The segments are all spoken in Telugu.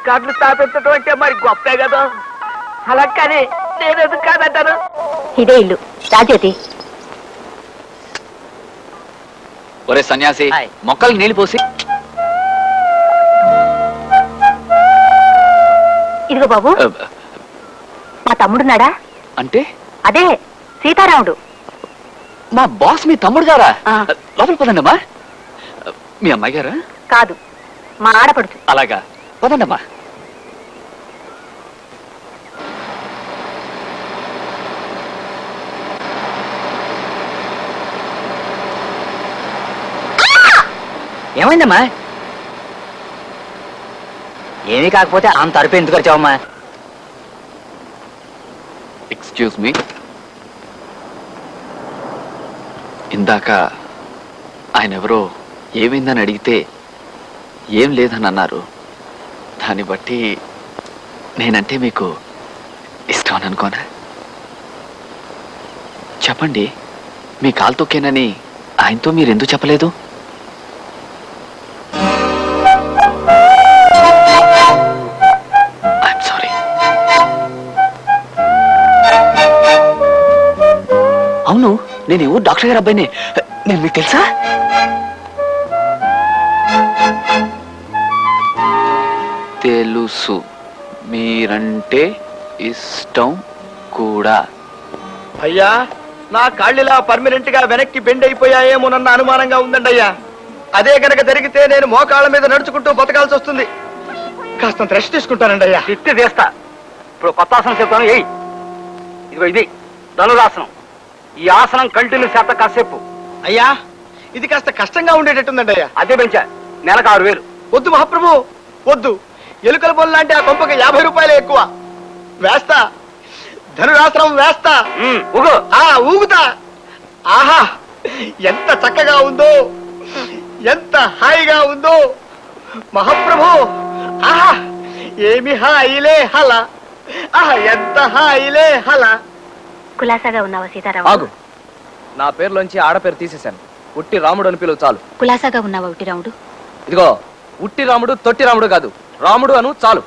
రికార్డులు స్థాపించడం అంటే మరి గొప్పే కదా. అలా కానీ నేను ఎందుకు కాదంటాను. ఇదే ఇల్లు రాజ్యోతి. ఒరే సన్యాసి, మొక్కలు నీళ్లు పోసి. ఇదిగో బాబు, మా తమ్ముడున్నాడా? అంటే అదే సీతారాముడు. మా బాస్ మీ తమ్ముడు గారా? లోపల పదండమ్మా. మీ అమ్మాయి గారా? కాదు, మా ఆడపడుచు. అలాగా, పదండమ్మా. ఏమైందమ్మా? ఏమీ కాకపోతే అంత అరుపు ఎందుకు వచ్చావమ్మా? ఎక్స్క్యూజ్ మీ, ఇందాక ఆయన ఎవరో ఏమైందని అడిగితే ఏం లేదని అన్నారు. దాన్ని బట్టి నేనంటే మీకు ఇష్టం అని అనుకోనా? చెప్పండి, మీ కాలు తొక్కేనని ఆయనతో మీరు ఎందుకు చెప్పలేదు? I'm sorry. అవును, నేను ఎవరు డాక్టర్ గారు అబ్బాయిని. నేను మీకు తెలుసా? తెలుసు, మీరంటే ఇష్టం కూడా. అయ్యా, నా కాళ్ళిలా పర్మనెంట్ గా వెనక్కి బెండ్ అయిపోయాయేమోనన్న అనుమానంగా ఉందండి అయ్యా. అదే కనుక జరిగితే నేను మోకాళ్ళ మీద నడుచుకుంటూ బతకాల్సి వస్తుంది. కాస్తంత రెస్ట్ తీసుకుంటానండి అయ్యా. తిట్టి తీస్తా. ఇప్పుడు కొత్త ఆసనం చెప్తాను. ఏయ్, ఇదిగో ఇది ధనురాసనం. ఈ ఆసనం కంటిన్యూ చేత కాసేపు. అయ్యా, ఇది కాస్త కష్టంగా ఉండేటట్టుందండి అయ్యా. అదే పెంచా, నెలకు 6000. వద్దు మహాప్రభు, వద్దు. ఎలుకల బొల్ల లాంటి ఆ కొంపకి 50 రూపాయలే ఎక్కువ. వేస్తా, ధనురాసనం వేస్తా. ఊగు. ఊగుతా. ఆహా, ఎంత చక్కగా ఉందో, ఎంత హాయిగా ఉందో మహాప్రభు. ఆహా, ఏమి హాయిలే హల. ఆహా, ఎంత హాయిలే హల. కులాసాగా ఉన్నావా సీతారాము? ఆగు, నా పేరులోంచి ఆడపేరు తీసేశాను. ఉట్టి రాముడు అని పిలువు చాలు. కులాసాగా ఉన్నావా ఉట్టి రాముడు? ఇదిగో, ఉట్టి రాముడు తొట్టి రాముడు కాదు, రాముడు అను చాలు.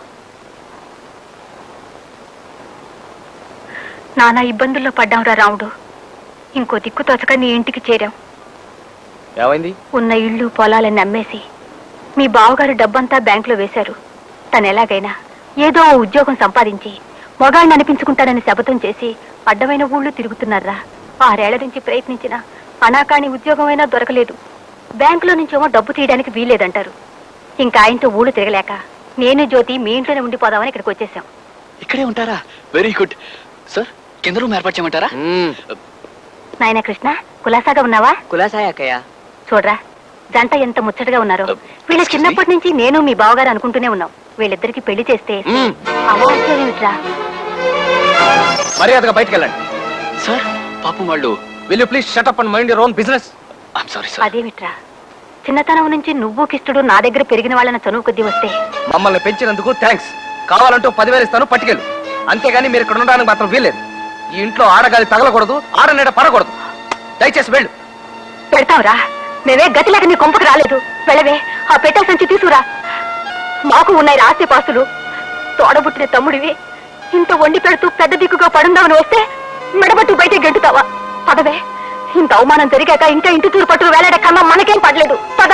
నానా ఇబ్బందుల్లో పడ్డాంరా రాముడు. ఇంకో దిక్కు తోచక నీ ఇంటికి చేరాం. ఏమైంది? ఉన్న ఇళ్ళు పొలాలని అమ్మేసి మీ బావగారు డబ్బంతా బ్యాంకులో వేశారు. తను ఎలాగైనా ఏదో ఓ ఉద్యోగం సంపాదించి మొగాళ్ళని అనిపించుకుంటానని శపథం చేసి అడ్డమైన ఊళ్ళు తిరుగుతున్నారా. 6 ఏళ్ల నుంచి ప్రయత్నించిన అనాకాని ఉద్యోగమైనా దొరకలేదు. బ్యాంకులో నుంచేమో డబ్బు తీయడానికి వీల్లేదంటారు. ఇంకా ఆయనతో ఊళ్ళు తిరగలేక నేను జ్యోతి మీ ఇంట్లోనే ఉండిపోదామని ఇక్కడికి వచ్చేసాం. ఇక్కడే ఉంటారా? Very good sir. కింద రూమ్ ఏర్పాటు చేయమంటారా? నాయన కృష్ణ, కులాసాగా ఉన్నావా? కులాసాయక్కయ్య. చూడరా, జంట ఎంత ముచ్చటగా ఉన్నారో. వీళ్ళ చిన్నప్పటి నుంచి నేను మీ బావగారు అనుకుంటూనే ఉన్నాం. వీళ్ళిద్దరికి పెళ్లి చేస్తే అవాచ్యమేమిట్రా? మర్యాదగా బయటికి వెళ్ళండి. సార్, పాపం వాళ్ళు. Will you please shut up and mind your own business. I'm sorry sir. అదేమిట్రా, చిన్నతనం నుంచి నువ్వు కిష్టుడు నా దగ్గర పెరిగిన వాళ్ళని చనువు కొద్దీ వస్తే మమ్మల్ని పెంచినందుకు థ్యాంక్స్. కావాలంటూ 10,000 ఇస్తాను, పట్టుకెళ్ళు. అంతేగాని మీరు ఇక్కడ ఉండడానికి మాత్రం వీల్లేదు. ఈ ఇంట్లో ఆడగాలి తగలకూడదు, ఆడనీడ పడకూడదు. దయచేసి వెళ్ళు. పెడతావురా, మేమే గతిలేక నీ కొంపకు రాలేదు. వెళ్ళవే, ఆ పెట్టె సంచి తీసుకురా. మాకు ఉన్నాయి ఆస్తి పాస్తులు. తోడబుట్టిన తమ్ముడివి, ఇంత వండి పెడుతూ పెద్ద దిక్కుగా పడుందామని వస్తే మెడబట్టు బయట గెంటుతావా? పదవే, ఇంత అవమానం జరిగాక ఇంకా ఇంటి తూరు పట్టు వేలాడే కన్నా మనకేం పడలేదు. పద.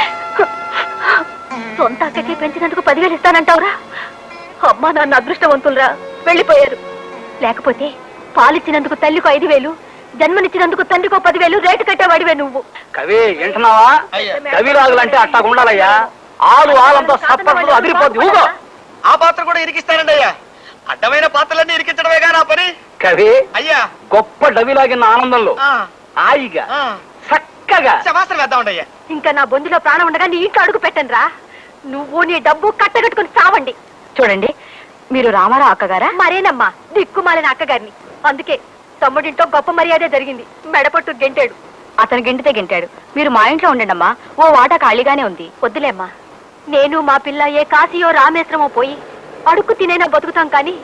సొంత అక్కకి పెంచినందుకు 10,000 ఇస్తానంటావురా? అమ్మా నాన్న అదృష్టవంతులరా, వెళ్ళిపోయారు. లేకపోతే పాలిచ్చినందుకు తల్లికో 5,000, జన్మనిచ్చినందుకు తండ్రికో 10,000 రేటు కట్టేవాడివే నువ్వు. కవి వింటున్నావా? కవిరాజులంటే అట్టా ఉండాలయ్యా. ఆలంతా సప్పట్లు అదిరిపోద్ది. ఊగో. ఆ పాత్ర కూడా ఇరికిస్తానండి అయ్యా. అడ్డమైన పాత్రలన్నీ ఇరికించడమేగా నా పని. కవి అయ్యా, గొప్ప డవిలాగిన ఆనందంలో హాయిగా చక్కగా శమాసనం వేద్దామండి అయ్యా. ఇంకా నా బొందులో ప్రాణం ఉండగా నీ ఇంట్లో అడుగు పెట్టండి రా. నువ్వు నీ డబ్బు కట్టగట్టుకుని చావండి. చూడండి, మీరు రామారావు అక్కగారా? మరేనమ్మా, దిక్కుమాలిన అక్కగారిని. అందుకే తమ్ముడింటో గొప్ప మర్యాదే జరిగింది. మెడపట్టు గెంటాడు. అతను గెంటితే గెంటాడు. మీరు మా ఇంట్లో ఉండండమ్మా, ఓ వాటా ఖాళీగానే ఉంది. వద్దులేమ్మా, నేను మా పిల్ల ఏ కాశీయో రామేశ్వరమో పోయి అడుక్కు తినైనా బతుకుతాం కానీ